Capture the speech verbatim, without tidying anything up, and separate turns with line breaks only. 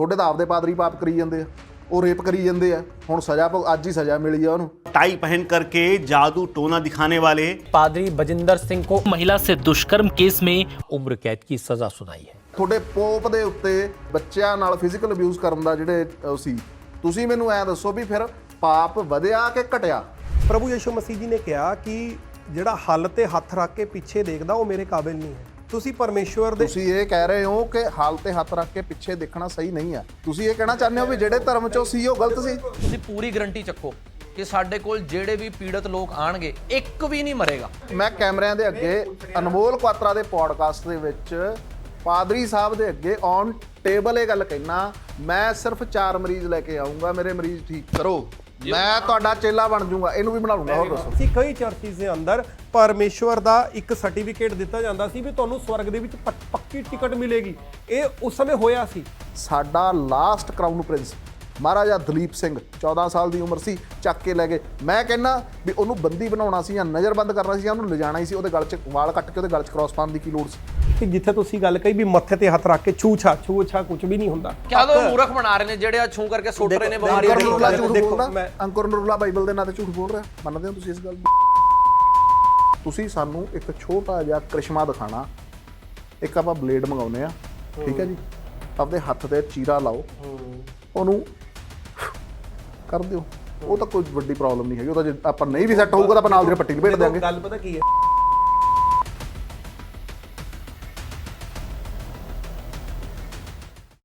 ਤੁਹਾਡੇ ਤਾਂ ਆਪਦੇ ਪਾਦਰੀ ਪਾਪ ਕਰੀ ਜਾਂਦੇ ਆ, ਉਹ रेप करी जाते हैं। हुण सज़ा अज ही सज़ा मिली है उन्होंने।
टाई पहन करके जादू टोना दिखाने वाले
पादरी बजिंदर सिंह को महिला से दुष्कर्म केस में उम्र कैद की सजा सुनाई है।
ਤੁਹਾਡੇ ਪੋਪ ਦੇ ਉੱਤੇ ਬੱਚਿਆਂ ਨਾਲ ਫਿਜ਼ੀਕਲ ਅਬਿਊਜ਼ ਕਰਨ ਦਾ ਜਿਹੜੇ ਉਹ ਸੀ, ਤੁਸੀਂ ਮੈਨੂੰ ਐ ਦੱਸੋ ਵੀ ਫਿਰ ਪਾਪ ਵਧਿਆ ਕਿ ਘਟਿਆ?
ਪ੍ਰਭੂ ਯਿਸੂ ਮਸੀਹ ਜੀ ਨੇ ਕਿਹਾ ਕਿ ਜਿਹੜਾ ਹੱਲ ਤੇ ਹੱਥ ਰੱਖ ਕੇ ਪਿੱਛੇ ਦੇਖਦਾ ਉਹ ਮੇਰੇ ਕਾਬਿਲ ਨਹੀਂ ਹੈ। ਤੁਸੀਂ ਪਰਮੇਸ਼ਵਰ ਦੇ
ਤੁਸੀਂ ਇਹ ਕਹਿ ਰਹੇ ਹੋ ਕਿ ਹਾਲ ਤੇ ਹੱਥ ਰੱਖ ਕੇ ਪਿੱਛੇ ਦੇਖਣਾ ਸਹੀ ਨਹੀਂ ਹੈ। ਤੁਸੀਂ ਇਹ ਕਹਿਣਾ ਚਾਹੁੰਦੇ ਹੋ ਵੀ ਜਿਹੜੇ ਧਰਮ ਚੋਂ ਸੀ ਉਹ ਗਲਤ ਸੀ?
ਤੁਸੀਂ ਪੂਰੀ ਗਰੰਟੀ ਚੱਕੋ ਕਿ ਸਾਡੇ ਕੋਲ ਜਿਹੜੇ ਵੀ ਪੀੜਤ ਲੋਕ ਆਣਗੇ ਇੱਕ ਵੀ ਨਹੀਂ ਮਰੇਗਾ।
ਮੈਂ ਕੈਮਰਿਆਂ ਦੇ ਅੱਗੇ ਅਨਮੋਲ ਕੁਆਤਰਾ ਦੇ ਪੋਡਕਾਸਟ ਦੇ ਵਿੱਚ ਪਾਦਰੀ ਸਾਹਿਬ ਦੇ ਅੱਗੇ ਔਨ ਟੇਬਲ ਇਹ ਗੱਲ ਕਹਿਣਾ, ਮੈਂ ਸਿਰਫ ਚਾਰ ਮਰੀਜ਼ ਲੈ ਕੇ ਆਉਂਗਾ, ਮੇਰੇ ਮਰੀਜ਼ ਠੀਕ ਕਰੋ, ਮੈਂ ਤੁਹਾਡਾ ਚੇਲਾ ਬਣ ਜਾਊਂਗਾ। ਇਹਨੂੰ ਵੀ ਬਣਾ ਲੂੰਗਾ। ਹੋਰ ਦੱਸੋ।
ਸੀ ਕਈ ਚਰਚਿਸ ਦੇ ਅੰਦਰ ਪਰਮੇਸ਼ਵਰ ਦਾ ਇੱਕ ਸਰਟੀਫਿਕੇਟ ਦਿੱਤਾ ਜਾਂਦਾ ਸੀ ਵੀ ਤੁਹਾਨੂੰ ਸਵਰਗ ਦੇ ਵਿੱਚ ਪੱਕੀ ਟਿਕਟ ਮਿਲੇਗੀ। ਇਹ ਉਸ ਸਮੇਂ ਹੋਇਆ ਸੀ।
ਸਾਡਾ last crown prince Maharaja Duleep Singh ਚੌਦਾਂ ਸਾਲ ਦੀ ਉਮਰ ਸੀ, ਚੱਕ ਕੇ ਲੈ ਗਏ। ਮੈਂ ਕਹਿੰਦਾ ਵੀ ਉਹਨੂੰ ਬੰਦੀ ਬਣਾਉਣਾ ਸੀ ਜਾਂ ਨਜ਼ਰਬੰਦ ਕਰਨਾ ਸੀ ਜਾਂ ਉਹਨੂੰ ਲਿਜਾਣਾ ਹੀ ਸੀ। ਉਹਦੇ ਗਲ 'ਚ ਵਾਲ ਕੱਟ ਕੇ ਉਹਦੇ ਗਲ 'ਚ ਕ੍ਰਾਸ ਪਾਉਣ ਦੀ ਕੀ ਲੋੜ ਸੀ?
ਕਿ ਜਿੱਥੇ ਤੁਸੀਂ ਗੱਲ ਕਹੀ ਵੀ ਮੱਥੇ ਤੇ ਹੱਥ ਰੱਖ ਕੇ ਛੂਛਾ ਛੂਛਾ ਕੁਝ ਵੀ ਨਹੀਂ ਹੁੰਦਾ।
ਕਿਆ ਲੋ ਮੂਰਖ ਬਣਾ ਰਹੇ ਨੇ ਜਿਹੜੇ ਆ ਛੂ ਕਰਕੇ ਸੁੱਟ ਰਹੇ ਨੇ ਬਿਮਾਰੀ।
ਅੰਕੁਰ ਨਰੂਲਾ ਝੂਠ
ਦੇਖੋ,
ਬੋਲਦਾ,
ਮੈਂ-
ਅੰਕੁਰ ਨਰੂਲਾ ਬਾਈਬਲ ਦੇ ਨਾਂ ਤੇ ਝੂਠ ਬੋਲ ਰਿਹਾ। ਮੰਨਦੇ ਹੋ ਤੁਸੀਂ ਇਸ ਗੱਲ ਨੂੰ? ਤੁਸੀਂ ਸਾਨੂੰ ਇੱਕ ਛੋਟਾ ਜਿਹਾ ਕ੍ਰਿਸ਼ਮਾ ਦਿਖਾਣਾ, ਇੱਕ ਆਪਾਂ ਬਲੇਡ ਮੰਗਾਉਨੇ ਆ, ਠੀਕ ਹੈ ਜੀ, ਆਪਦੇ ਹੱਥ ਤੇ ਚੀਰਾ ਲਾਓ, ਉਹਨੂੰ ਕਰ ਦਿਓ। ਉਹ ਤਾਂ ਕੋਈ ਵੱਡੀ ਪ੍ਰੋਬਲਮ ਨਹੀਂ ਹੈਗੀ। ਉਹ ਤਾਂ ਜੇ ਆਪਾਂ ਨਹੀਂ ਵੀ ਸੈੱਟ ਹੋਊਗਾ ਤਾਂ ਆਪਾਂ ਨਾਲ ਦੀ ਪੱਟੀ ਲਪੇਟ ਦਿਆਂਗੇ।
ਗੱਲ ਪਤਾ ਕੀ ਹੈ?